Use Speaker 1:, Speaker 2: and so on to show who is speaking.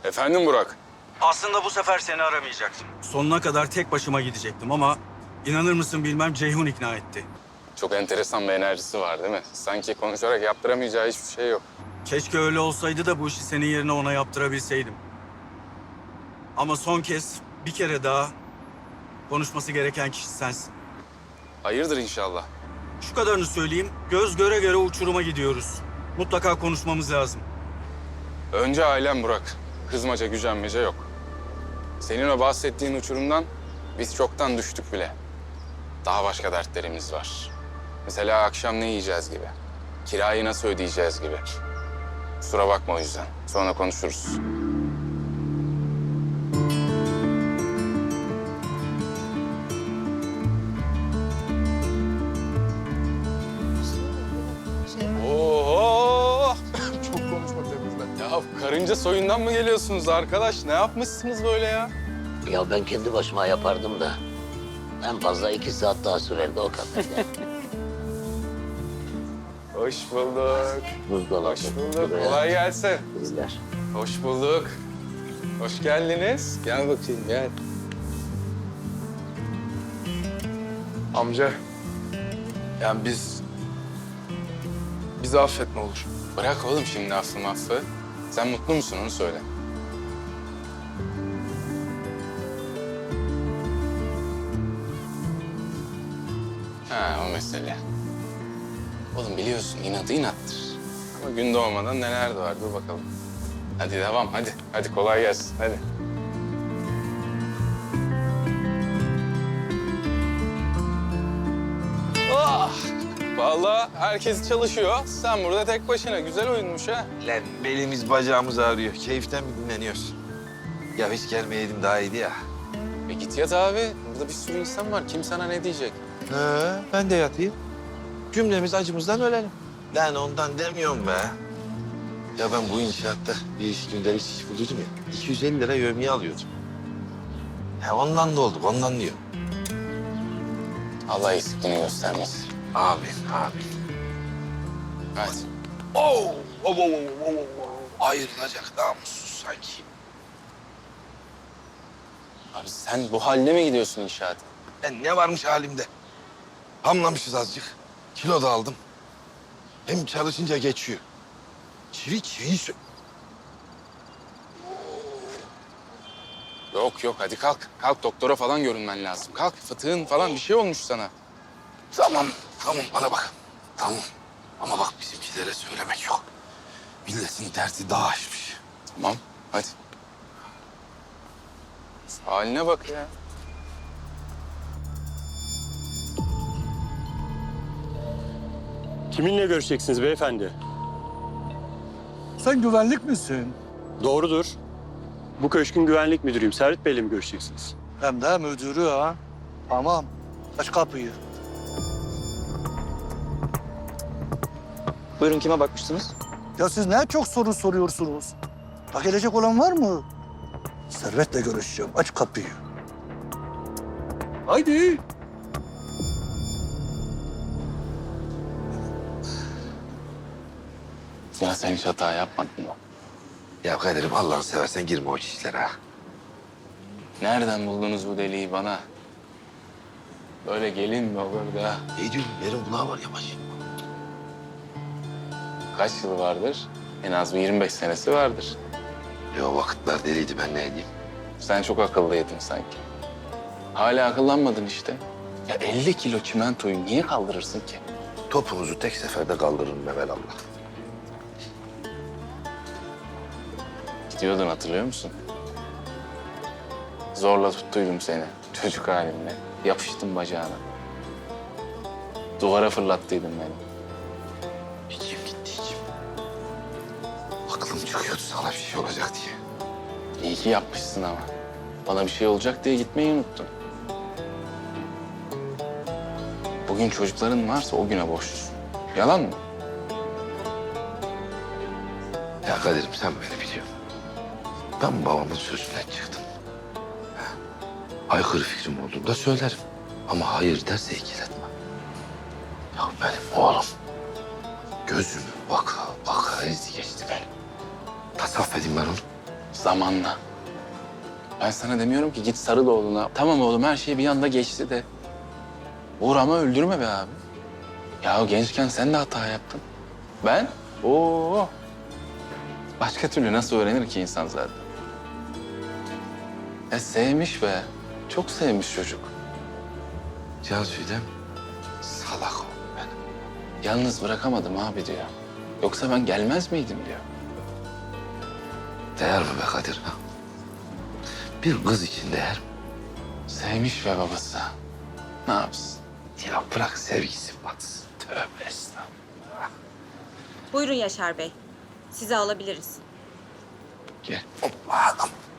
Speaker 1: Efendim Burak?
Speaker 2: Aslında bu sefer seni aramayacaktım. Sonuna kadar tek başıma gidecektim ama inanır mısın bilmem Ceyhun ikna etti.
Speaker 1: Çok enteresan bir enerjisi var değil mi? Sanki konuşarak yaptıramayacağı hiçbir şey yok.
Speaker 2: Keşke öyle olsaydı da bu işi senin yerine ona yaptırabilseydim. Ama son kez bir kere daha konuşması gereken kişi sensin.
Speaker 1: Hayırdır inşallah.
Speaker 2: Şu kadarını söyleyeyim, göz göre göre uçuruma gidiyoruz. Mutlaka konuşmamız lazım.
Speaker 1: Önce ailem Burak. Kızmaca, gücenmece yok. Senin o bahsettiğin uçurumdan biz çoktan düştük bile. Daha başka dertlerimiz var. Mesela akşam ne yiyeceğiz gibi. Kirayı nasıl ödeyeceğiz gibi. Kusura bakma o yüzden. Sonra konuşuruz. Oo! Çok konuşma temizle. Ya karınca soyundan mı geliyorsunuz arkadaş? Ne yapmışsınız böyle ya?
Speaker 3: Ya ben kendi başıma yapardım da en fazla 2 saat daha sürerdi o kadar.
Speaker 1: Hoş bulduk.
Speaker 3: Buzdolabı.
Speaker 1: Hoş bulduk. Kolay gelsin.
Speaker 3: Bizler.
Speaker 1: Hoş bulduk. Hoş geldiniz. Gel bakayım gel.
Speaker 4: Amca, yani bizi affet ne olur.
Speaker 1: Bırak oğlum şimdi affı. Sen mutlu musun onu söyle. Ha o mesele. Oğlum biliyorsun inadı inattır. Ama gün doğmadan neler doğar dur bakalım. Hadi devam hadi. Hadi kolay gelsin hadi. Ah! Vallahi herkes çalışıyor. Sen burada tek başına. Güzel oyunmuş ha.
Speaker 5: Lan belimiz bacağımız ağrıyor. Keyiften mi dinleniyoruz? Ya hiç gelmeyeydim daha iyiydi ya.
Speaker 1: Git yat abi. Burada bir sürü insan var. Kim sana ne diyecek?
Speaker 5: Ben de yatayım. Cümlemiz acımızdan ölelim. Lan ondan demiyorum be. Ya ben bu inşaatta bir iş gündelik iş buluyordum ya. 250 lira yevmiye alıyordum. Ya ondan da olduk, ondan diyorum.
Speaker 1: Allah eksikliğini göstermesin.
Speaker 5: Amin, amin.
Speaker 1: Hadi.
Speaker 5: Ayrılacak namussuz sanki.
Speaker 1: Abi sen bu haline mi gidiyorsun inşaata?
Speaker 5: Ne varmış halimde? Hamlamışız azıcık. Kilo da aldım. Hem çalışınca geçiyor. Çiviyi
Speaker 1: Yok hadi kalk. Kalk doktora falan görünmen lazım. Kalk fıtığın falan bir şey olmuş sana.
Speaker 5: Tamam bana bak. Tamam. Ama bak bizimkilere söylemek yok. Milletin derdi daha aşmış.
Speaker 1: Tamam hadi. Haline bak ya.
Speaker 6: Kiminle görüşeceksiniz beyefendi?
Speaker 7: Sen güvenlik misin?
Speaker 6: Doğrudur. Bu köşkün güvenlik müdürüyüm. Servet Bey'le mi görüşeceksiniz?
Speaker 7: Hem de müdürü ha. Tamam. Aç kapıyı.
Speaker 8: Buyurun kime bakmıştınız?
Speaker 7: Ya siz ne çok soru soruyorsunuz? Bak gelecek olan var mı? Servet'le görüşeceğim. Aç kapıyı. Haydi.
Speaker 1: Ya sen hiç hata yapmadın mı?
Speaker 5: Ya Kadir'im Allah'ını seversen girme o işlere ha.
Speaker 1: Nereden buldunuz bu deliği bana? Böyle gelin mi olur da?
Speaker 5: Ne diyorsun? Yerin kulağı var yavaş.
Speaker 1: Kaç yılı vardır? En az bir 25 senesi vardır.
Speaker 5: O vakitler deliydi ben ne edeyim?
Speaker 1: Sen çok akıllıydın sanki. Hala akıllanmadın işte. Ya 50 kilo çimentoyu niye kaldırırsın ki?
Speaker 5: Topunuzu tek seferde kaldırırım evelallah.
Speaker 1: Gidiyordun hatırlıyor musun? Zorla tuttuydum seni çocuk halimle. Yapıştım bacağına. Duvara fırlattıydın beni.
Speaker 5: İçim gitti içim. Aklım çıkıyordu sana bir şey olacak diye.
Speaker 1: İyi ki yapmışsın ama. Bana bir şey olacak diye gitmeyi unuttun. Bugün çocukların varsa o güne borçlusun. Yalan mı?
Speaker 5: Ya Kadir'im sen beni biliyorsun. Ben babamın sözünden çıktım. Aykırı fikrim olduğunda söylerim. Ama hayır derse ikiletmem. Ya benim oğlum gözümü baka baka ezdi geçti benim. Nasıl affedeyim ben onu?
Speaker 1: Zamanla. Ben sana demiyorum ki git sarıl oğluna. Tamam oğlum her şey bir anda geçti de. Uğur ama öldürme be abi. Ya gençken sen de hata yaptın. Ben? Oo. Başka türlü nasıl öğrenir ki insan zaten? Ya sevmiş be. Çok sevmiş çocuk.
Speaker 5: Cansu'ydem salak oğlum benim.
Speaker 1: Yalnız bırakamadım abi diyor. Yoksa ben gelmez miydim diyor.
Speaker 5: Değer mi be Kadir? Ha? Bir kız için değer mi?
Speaker 1: Sevmiş be babası. Ne yapsın?
Speaker 5: Ya bırak sevgisi batsın. Tövbe estağfurullah.
Speaker 8: Buyurun Yaşar Bey. Sizi alabiliriz.
Speaker 5: Gel. Hoppa.